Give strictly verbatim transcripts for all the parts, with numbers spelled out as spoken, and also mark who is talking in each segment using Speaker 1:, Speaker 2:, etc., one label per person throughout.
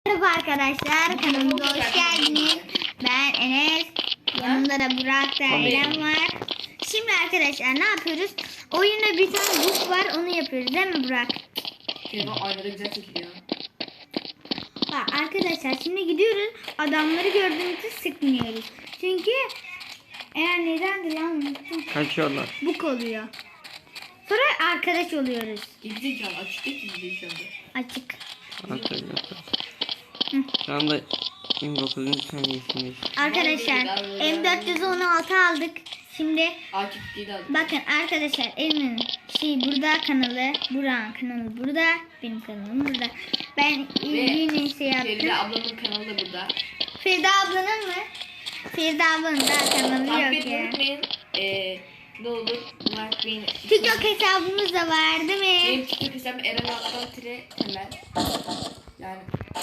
Speaker 1: Merhaba arkadaşlar, kanalımıza hoş geldiniz. Ben Enes, yanımda da Burak da Eren var. Şimdi arkadaşlar ne yapıyoruz? Oyunda bir tane buz var, onu yapıyoruz değil mi Burak?
Speaker 2: Evet, aynada güzel çekiliyor.
Speaker 1: Bak arkadaşlar şimdi gidiyoruz, adamları gördüğümüzde sıkmıyoruz. Çünkü eğer nedendir lan unuttum.
Speaker 3: Kaçıyorlar.
Speaker 1: Buk oluyor. Sonra arkadaş oluyoruz.
Speaker 2: Gidecek can açık değil ki gidiyor şu anda.
Speaker 1: Açık.
Speaker 3: Hatırlıyorum. Şu anda yirmi dokuzuncu saniyesindeyiz.
Speaker 1: Arkadaşlar M dört yüz on altı aldık. Şimdi
Speaker 2: Akif geri aldı.
Speaker 1: bakın arkadaşlar Emin şey burada kanalı, Burak'ın kanalı burada, benim kanalım burada. Ben yeni şey yaptım.
Speaker 2: Feride ablamın kanalı da burada.
Speaker 1: Feride ablanın mı? Feride ablanın da kanalı
Speaker 2: Takip
Speaker 1: yok
Speaker 2: etmeyi
Speaker 1: ya.
Speaker 2: unutmayın. Ee, ne olur like beğeni.
Speaker 1: TikTok hesabımız da var değil mi?
Speaker 2: Benim TikTok hesabım Eren Altan Tire Temel. Yani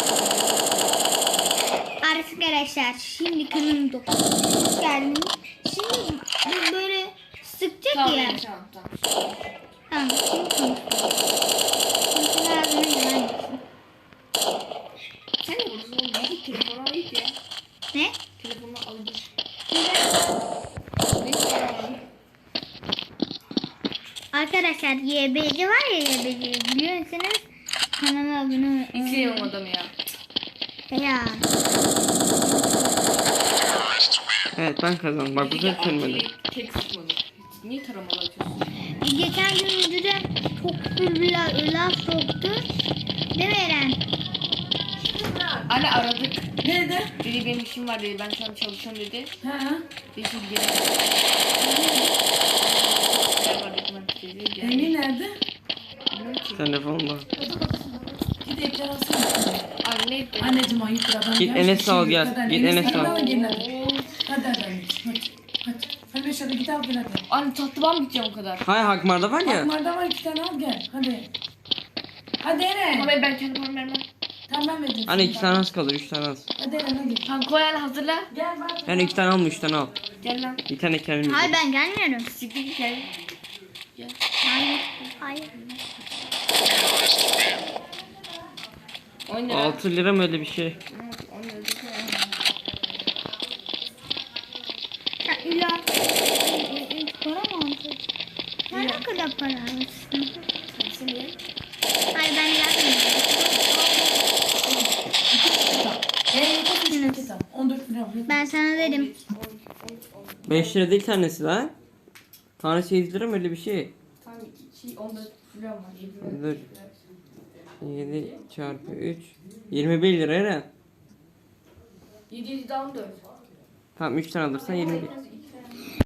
Speaker 1: Arkadaşlar şimdi kanalımda hoş geldiniz. Şimdi bu böyle sıkacak
Speaker 2: tamam
Speaker 1: ya.
Speaker 2: tamam tamam.
Speaker 1: Tamam şimdi konuşalım. Konuşalım ağzına güven gitsin.
Speaker 2: Sen ne vurursun oğlum? Gidip telefonu al git ya.
Speaker 1: Ne?
Speaker 2: Telefonu al git.
Speaker 1: Arkadaşlar Y B C var ya Y B C biliyor musunuz? Kanala abone
Speaker 2: İzleyemem adamı ya.
Speaker 1: Ya.
Speaker 3: Evet ben kazandım. Bak bu
Speaker 2: Peki
Speaker 3: sefer kırmadım.
Speaker 2: Akif'i tek sıkmadı. Niye taramalı atıyorsun?
Speaker 1: Geçen gün videoda çok bir la- laf soktu. Değil mi Eren?
Speaker 2: Anne aradık.
Speaker 4: Ne dedi?
Speaker 2: Dedi benim işim var dedi. Ben şu an çalışıyorum dedi.
Speaker 4: Ha?
Speaker 2: Dedi şimdi gene. Ne var dedi ben dedi. Gene.
Speaker 4: Emin nerede?
Speaker 2: Bilmiyorum ki.
Speaker 3: Telefonda.
Speaker 4: Git ekran alsana.
Speaker 2: Anne.
Speaker 4: Anneciğim ayıptır adam.
Speaker 3: Git
Speaker 4: gelmiş,
Speaker 3: Enes'i al,
Speaker 4: şimdi
Speaker 3: gel.
Speaker 4: kadar.
Speaker 3: Git Enes'i al.
Speaker 4: al. Gel hadi. Hadi hadi anneciğim hadi. Hadi. Hadi beş hadi git al gel hadi.
Speaker 2: Anne tatlı ben gideceğim o kadar.
Speaker 3: Hay Hakmar'da var ya.
Speaker 4: Akmar'da var iki tane al gel. Hadi. Hadi
Speaker 2: Ama
Speaker 4: Eren.
Speaker 2: ben, ben kendi paramı vermem.
Speaker 4: Tamam ben vereceğim.
Speaker 3: Hani iki
Speaker 4: sana.
Speaker 3: tane az kalır, üç tane az.
Speaker 4: Hadi Eren hadi.
Speaker 2: Tamam koy anne hazırla.
Speaker 4: Gel bak.
Speaker 3: Yani iki tane alma, üç tane al.
Speaker 2: Gel lan.
Speaker 3: Bir tane kendimiz.
Speaker 1: Hayır ben gelmiyorum.
Speaker 2: Siktir git gel. Gel.
Speaker 1: Hayır. Hayır.
Speaker 2: on lira.
Speaker 3: altı lira mı öyle bir şey?
Speaker 2: on lira.
Speaker 1: Ya illa para mı alacak? Ben ne kadar para almışsın? Hayır ben gelmiyorum.
Speaker 4: Eren yeter ki şu kitap. on dört lira.
Speaker 1: Ben sana dedim.
Speaker 3: beş lira değil tanesi lan. Tanesi yedi lira mı öyle bir şey?
Speaker 2: Tamam şey on dört lira var. yedi lira.
Speaker 3: Dur. yedi çarpı üç. yirmi bir lira Eren.
Speaker 2: yedi yedi daha on dört.
Speaker 3: Tamam üç tane alırsan yirmi bir.